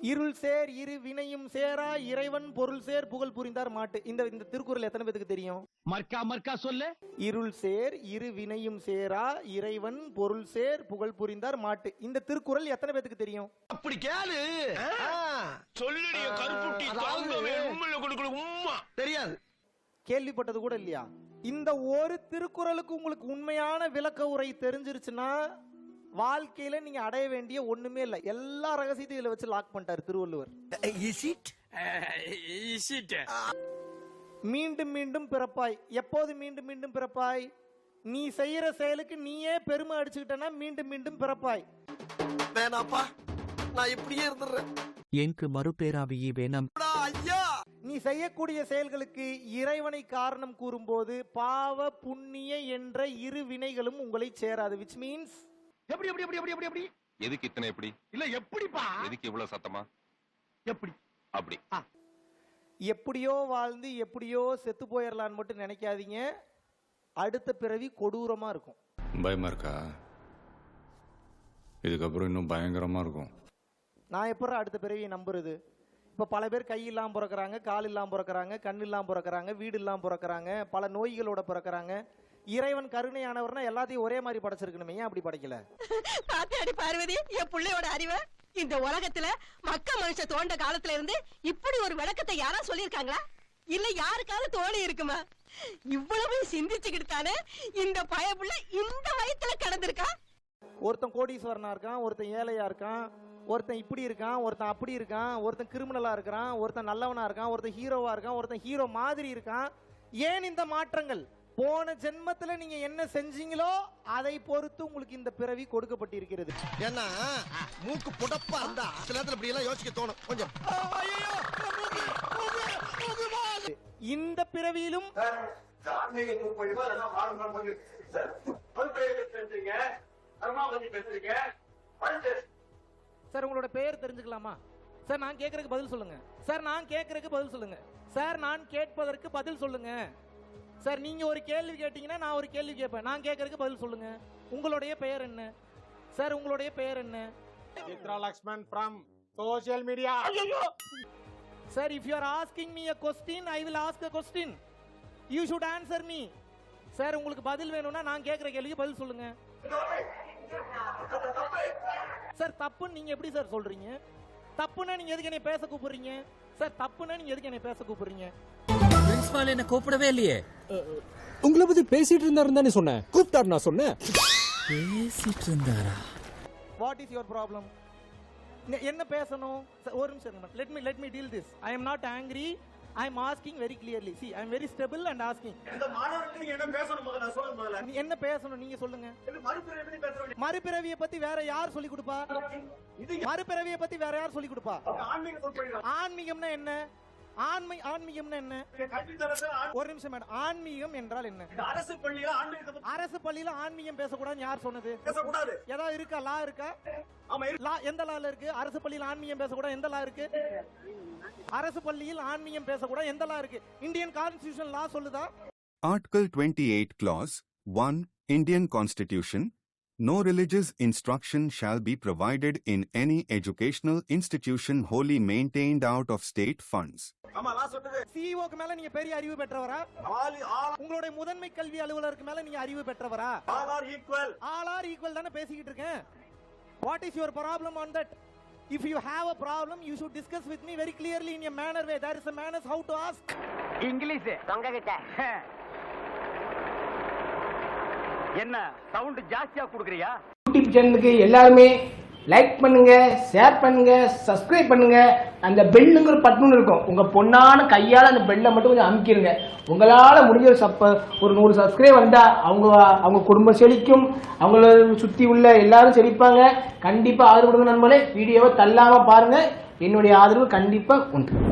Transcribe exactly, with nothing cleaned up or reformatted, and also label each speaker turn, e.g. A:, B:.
A: இருள் சேர் இரு வினையும் சேரா இறைவன் பொருள் சேர் புகழ் புரிந்தார் மாட்டு. இந்த இந்த திருக்குறள் எத்தனை பேருக்கு தெரியும்?
B: மர்க்கா மர்க்கா சொல்லு.
A: இருள் சேர் இரு வினையும் சேரா இறைவன் பொருள் சேர் புகழ் புரிந்தார் மாட்டு. இந்த திருக்குறள் எத்தனை பேருக்கு தெரியும்?
B: அப்படி கேளு. சொல்லுடிய கருப்புட்டி தாங்கவே உம்மையில கொடுக்கல உம்மா. தெரியாது.
A: கேள்விப்பட்டது கூட இல்லையா? இந்த ஒரு திருக்குறளுக்கு உங்களுக்கு உண்மையான விளக்க உரை தெரிஞ்சிருச்சுன்னா வாழ்க்கையில நீங்க அடைய வேண்டிய ஒண்ணுமே இல்ல. எல்லா ரகசியத்தையும் இதுல வச்சு லாக் பண்ணிட்டாரு Thiruvalluvar.
B: Is it? Is it?
A: மீண்டும் மீண்டும் பிறப்பாய். எப்போது மீண்டும் மீண்டும் பிறப்பாய்? நீ செய்யற செயலுக்கு நீயே பெருமை அடிச்சுக்கிட்டனா மீண்டும் மீண்டும் பிறப்பாய்.
B: வேணாப்பா, நான் இப்படியே இருந்துறேன்.
C: எனக்கு மறுபேராவியே வேணாம்.
A: நீ செய்யக்கூடிய செயல்களுக்கு இறைவனை காரணம் கூறும்போது பாவ புண்ணிய என்ற இரு வினைகளும் உங்களை சேராது. which means
B: எப்படி எப்படி எப்படி எப்படி எப்படி
D: எதுக்கு இத்தனை எப்படி
B: இல்ல எப்படிப்பா
D: எதுக்கு இவ்வளவு சத்தமா
B: எப்படி
D: அப்படி
A: எப்படியோ வாழ்ந்து எப்படியோ செத்து போயிடலான்னு மட்டும் நினைக்காதீங்க. அடுத்த பிறவி கொடூரமா இருக்கும்.
E: பயமா இருக்கா? இதுக்கப்புறம் இன்னும் பயங்கரமா இருக்கும்.
A: நான் எப்பறம் அடுத்த பிறவியை நம்புறது? இப்ப பல பேர் கை இல்லாம பிறக்கிறாங்க, கால் இல்லாம பிறக்கிறாங்க, கண் இல்லாம பிறக்கிறாங்க, வீடு இல்லாம பிறக்கிறாங்க, பல நோய்களோட பிறக்கிறாங்க. இறைவன் கருணையானவர்னா எல்லாத்தையும் ஒரே மாதிரி படைச்சிருக்கணுமே, ஏன் அப்படி படைக்கல?
F: பாத்தியாடி பார்வதி, என் பிள்ளையோட அறிவை. இந்த உலகத்துல மக்க மனுஷ தோண்ட காலத்துல இருந்து இப்படி ஒரு விளக்கத்தை யாரா சொல்லிருக்காங்களா? இல்ல யாருக்காவது தோணி இருக்குமா? இவ்வளவு சிந்திச்சுக்கிட்டு தானே இந்த பயப்புள்ள இந்த வயத்துல கடந்திருக்கா.
A: ஒருத்தன் கோடீஸ்வரனா இருக்கான், ஒருத்தன் ஏழையா இருக்கான், ஒருத்தன் இப்படி இருக்கான், ஒருத்தன் அப்படி இருக்கான், ஒருத்தன் கிரிமினலா இருக்கான், ஒருத்தன் நல்லவனா இருக்கான், ஒருத்தன் ஹீரோவா இருக்கான், ஒருத்தன் ஹீரோ மாதிரி இருக்கான். ஏன் இந்த மாற்றங்கள்? போன ஜென்மத்துல நீங்க என்ன செஞ்சீங்களோ அதை பொறுத்து உங்களுக்கு இந்த பிறவி கொடுக்கப்பட்டிருக்கிறது.
B: ஏன்னா மூக்கு புடப்பா இருந்தா சில நேரத்துல இப்படி எல்லாம் யோசிக்க தோணும் கொஞ்சம்.
A: இந்த பிறவியிலும் சார் உங்களோட பெயர் தெரிஞ்சுக்கலாமா? சார் நான் கேட்கறதுக்கு பதில் சொல்லுங்க. சார் நான் கேட்கறதுக்கு பதில் சொல்லுங்க. சார் நான் கேட்பதற்கு பதில் சொல்லுங்க. சார் நீங்க ஒரு கேள்வி கேட்டீங்கன்னா நான் ஒரு கேள்வி கேட்பேன். நான் கேட்கறதுக்கு பதில் சொல்லுங்க. உங்களுடைய பெயர் என்ன? சார் உங்களுடைய பெயர் என்ன?
G: Chitra Lakshman from social media.
A: Sir, if you are asking me a question, I will ask a question. You should answer me. Sir, உங்களுக்கு பதில் வேணும்னா நான் கேட்கிற கேள்விக்கு பதில் சொல்லுங்க. சார் தப்புன்னு நீங்க எப்படி சார் சொல்றீங்க? தப்புன்னா நீங்க எதுக்கு என்னை பேச கூப்பிடுறீங்க? சார் தப்புன்னா நீங்க எதுக்கு என்னை பேச கூப்பிடுறீங்க?
C: பிரின்சிபால் என்ன கூப்பிடவே இல்லையே.
G: உங்களை பத்தி பேசிட்டு இருந்தாருன்னு தானே சொன்னேன். கூப்பிட்டாரு நான் சொன்னேன்.
C: பேசிட்டு இருந்தாரா?
A: What is your problem? என்ன பேசணும்? ஒரு நிமிஷம். Let me let me deal this. I am not angry. I am asking very clearly. See, I am very stable and asking. இந்த மாணவர்களுக்கு நீங்க என்ன பேசணும் முதல்ல நான் சொல்லுங்க முதல்ல. நீ என்ன பேசணும் நீங்க சொல்லுங்க. மறுபிறவியை பத்தி பேசணும். மறுபிறவியை பத்தி வேற யார் சொல்லி கொடுப்பா? மறுபிறவியை பத்தி வேற யார் சொல்லி கொடுப்பா? ஆன்மீக சொற்பொழிவு. ஆன்மீகம்னா என்ன? ஆன்மை ஆன்மீகம்னா என்ன? ஒரு நிமிஷம் மேடம். ஆன்மீகம் என்றால் என்ன? அரசு பள்ளியில ஆன்மீகம் அரசு பள்ளியில ஆன்மீகம் பேசக்கூடாது யார் சொன்னது? பேசக்கூடாது. ஏதாவது இருக்கா? லா இருக்கா? ஆமா லா. எந்த லால இருக்கு? அரசு பள்ளியில ஆன்மீகம் பேசக்கூடாது எந்த லா இருக்கு? அரசு பள்ளியில் ஆன்மீகம் பேசக்கூடாது எந்த லா இருக்கு? இந்தியன் கான்ஸ்டிடியூஷன் லா சொல்லுதா?
H: Article twenty-eight clause one Indian Constitution. No religious instruction shall be provided in any educational institution wholly maintained out of state funds.
A: சிஇஓக்கு மேல நீங்க பெரிய அறிவு பெற்றவரா? உங்களுடைய முதன்மை கல்வி அலுவலருக்கு மேல நீங்க அறிவு பெற்றவரா? all are equal all are equal தான பேசிக்கிட்டு இருக்கேன். What is your problem on that? If you have a problem, you should discuss with me very clearly in a manner way. There is a manners how to ask.
I: English தொங்க கிட்ட என்ன sound ஜாஸ்தியா குடுக்குறியா?
J: YouTube சேனலுக்கு எல்லாருமே like பண்ணுங்க, share பண்ணுங்க, subscribe பண்ணுங்க. அந்த பெல்லுங்கிற பட்டன் இருக்கும். உங்க பொண்ணான கையால அந்த பெல்லை மட்டும் கொஞ்சம் அமுக்கிடுங்க. உங்களால முடிஞ்ச ஒரு சப்ப ஒரு நூறு சப்ஸ்கிரைப் வந்தா அவங்க அவங்க குடும்பம் செழிக்கும். அவங்கள சுத்தி உள்ள எல்லாரும் செழிப்பாங்க. கண்டிப்பா ஆதரவு கொடுங்க நண்பர்களே. வீடியோவை தள்ளாம பாருங்க. என்னுடைய ஆதரவு கண்டிப்பா உண்டு.